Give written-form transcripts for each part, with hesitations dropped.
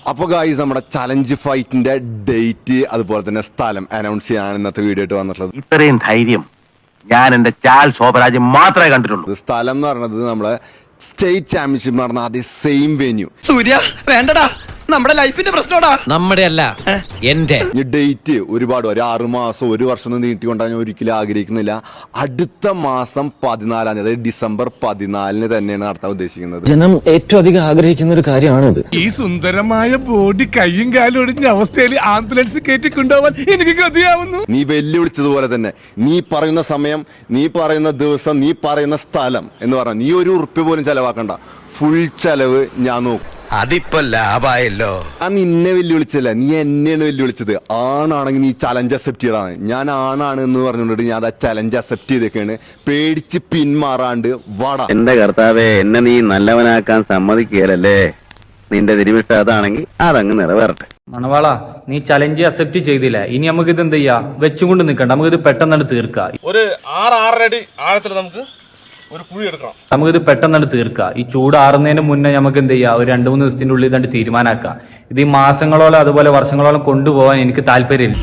അപ്പോൾ ഗായ്സ് നമ്മുടെ challenge ഫൈറ്റിന്റെ date അതുപോലെ തന്നെ സ്ഥലം അനൗൺസ് ചെയ്യാൻ ഇന്നത്തെ വീഡിയോ ആയിട്ട് വന്നിട്ടുള്ളത്. ഇത്രയും ധൈര്യം ഞാൻ എന്റെ ചാൽ ശോഭരാജ് മാത്രമേ കണ്ടിട്ടുള്ളൂ. സ്ഥലം എന്ന് പറയുന്നത് നമ്മളെ സ്റ്റേറ്റ് ചാമ്പ്യൻഷിപ്പ് നടന്ന അതേ സെയിം വെന്യൂ. സൂര്യ വേണ്ടടാ, നമ്മുടെ ലൈഫിന്റെ പ്രശ്നോടാ. നമ്മുടെ അല്ല എന്റെ. ഡേറ്റ് ഒരുപാട് ഒരു 6 മാസം 1 വർഷം ഒന്നും നീട്ടിക്കൊണ്ടാൻ ഞാൻ ഒരിക്കലും ആഗ്രഹിക്കുന്നില്ല. അടുത്ത മാസം 14 അതായത് ഡിസംബർ 14 തന്നെയാണ് നടത്താൻ ഉദ്ദേശിക്കുന്നത്. ജനം ഏറ്റവും അധികം ആഗ്രഹിക്കുന്ന ഒരു കാര്യമാണിത്. ഈ സുന്ദരമായ ബോഡി കയ്യും കാലും ഒടിഞ്ഞ അവസ്ഥയിൽ ആംബുലൻസ് കയറ്റിക്കൊണ്ടുപോകാൻ എനിക്ക് ഗതിയാവുന്നു. നീ വെല്ലുവിളിച്ചതുപോലെ തന്നെ നീ പറയുന്ന സമയം, നീ പറയുന്ന ദിവസം, നീ പറയുന്ന സ്ഥലം എന്ന് പറഞ്ഞാൽ നീ 1 ഉറുപ്പ്യ പോലും ചെലവാക്കണ്ട. ഫുൾ ചെലവ് ഞാൻ നോക്കും. അതിപ്പോ ലാഭായല്ലോ. ഞാൻ നിന്നെ വെല്ലുവിളിച്ചല്ല, നീ എന്നെയാണ് വെല്ലുവിളിച്ചത്. ആണാണെങ്കിൽ നീ ചലഞ്ച് അക്സെപ്റ്റ് ചെയ്യലാണ്. ഞാൻ ആണാണ് എന്ന് പറഞ്ഞുകൊണ്ട് ഞാൻ ആ ചലഞ്ച് അക്സെപ്റ്റ് ചെയ്തേക്കാണ്. പേടിച്ച് പിന്മാറാണ്ട് വാടാ. എന്റെ കർത്താവേ, എന്നെ നീ നല്ലവനാക്കാൻ സമ്മതിക്കുകയല്ലേ. നിന്റെ തിരുമിഷ്ട അതാണെങ്കിൽ അതങ്ങ് നിറവേറട്ടെ. മണവാള, നീ ചലഞ്ച് അക്സെപ്റ്റ് ചെയ്തില്ല. ഇനി നമുക്ക് ഇത് എന്ത് ചെയ്യാ, വെച്ചുകൊണ്ട് നിൽക്കണ്ട, നമുക്കിത് പെട്ടെന്ന് തീർക്കാം. ഒരു 6-6.5 അടി ആഴത്തിൽ നമുക്ക് ഒരു കുഴി എടുക്കണം. നമുക്കിത് പെട്ടെന്ന് തീർക്കാം. ഈ ചൂട് ആറുന്നതിന് മുന്നേ നമുക്ക് എന്ത് ചെയ്യാം, ഒരു 2-3 ദിവസത്തിന്റെ ഉള്ളിൽ ഇതാണ്ട് തീരുമാനാക്കാം. ഇത് ഈ മാസങ്ങളോളം അതുപോലെ വർഷങ്ങളോളം കൊണ്ടുപോകാൻ എനിക്ക് താല്പര്യമില്ല.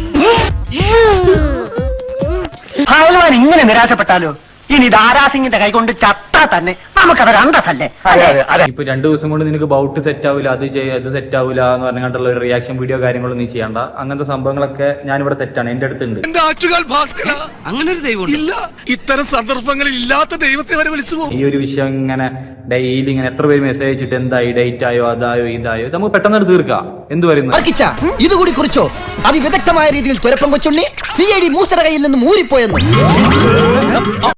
ഇങ്ങനെ നിരാശപ്പെട്ടാലോ? ഇനി ദാരാസിംഗിന്റെ കൈകൊണ്ട് ചത്താ തന്നെ നമുക്കതൊരു അന്തസ്സല്ലേ. ഇപ്പൊ 2 ദിവസം കൊണ്ട് നിനക്ക് ബൗട്ട് സെറ്റ് ആവില്ല, അത് ഇത് സെറ്റ് ആവില്ല എന്ന് പറഞ്ഞിട്ടുള്ള ഒരു റിയാക്ഷൻ വീഡിയോ കാര്യങ്ങളൊന്നും നീ ചെയ്യണ്ട. അങ്ങനത്തെ സംഭവങ്ങളൊക്കെ ഞാനിവിടെ സെറ്റാണ്, എന്റെ അടുത്തുണ്ട്. എന്റെ ആറ്റുകാൽ ഭാസ്കര, അങ്ങനെ ഒരു ദൈവം ഇല്ല. ഇത്തരം സന്ദർഭങ്ങളിൽ ഇല്ലാത്ത ദൈവത്തെ വരെ വിളിച്ചു പോകും. ഈ ഒരു വിഷയം ഇങ്ങനെ ഡെയിലി ഇങ്ങനെ എത്ര പേര് മെസ്സേജ് അയച്ചിട്ട് എന്തായി, ഡേറ്റ് ആയോ, അതായോ ഇതായോ, ഇത് നമുക്ക് പെട്ടെന്ന് തീർക്കാം. എന്ത് പറയുന്നു? ഇതുകൂടി കുറിച്ചോ അതിവിദഗ്ധമായ രീതിയിൽ തുരപ്പം കൊച്ചുണ്ണി CID മൂസയുടെ കയ്യിൽ നിന്നും ഊരിപ്പോയെന്ന്.